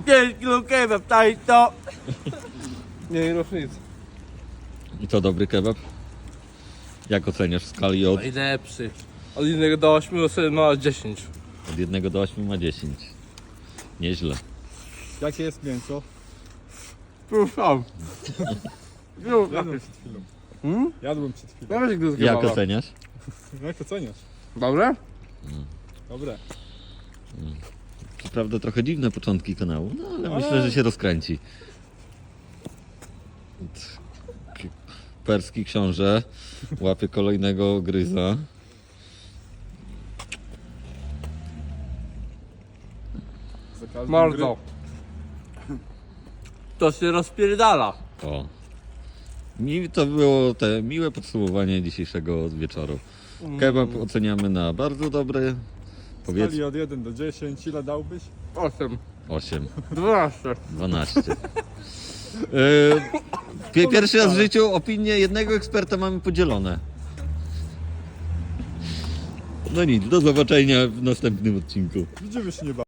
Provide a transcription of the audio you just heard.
5 kilo kebab, taj to. Nie różnicy. I to dobry kebab? Jak oceniasz w skali od Najlepszy. Od 1 do 8 sobie ma 10. 1 do 8 ma 10. Nieźle. Jakie jest mięso? Proszę. Jadłem przed chwilą. Jadłem przed chwilą. No weź gdy z Jak kebaba. oceniasz? Jak oceniasz? Dobre? Dobre. Co prawda trochę dziwne początki kanału, no ale myślę, że się rozkręci. Perski książę łapie kolejnego gryza. Za każdym Mordo. To się rozpierdala. O. To było te miłe podsumowanie dzisiejszego wieczoru. Kebab oceniamy na bardzo dobry. W Powiedz skali od 1 do 10, ile dałbyś? 8. 8, 12. 12. Pierwszy raz w życiu opinie jednego eksperta mamy podzielone. No nic, do zobaczenia w następnym odcinku. Widzimy się niebawem.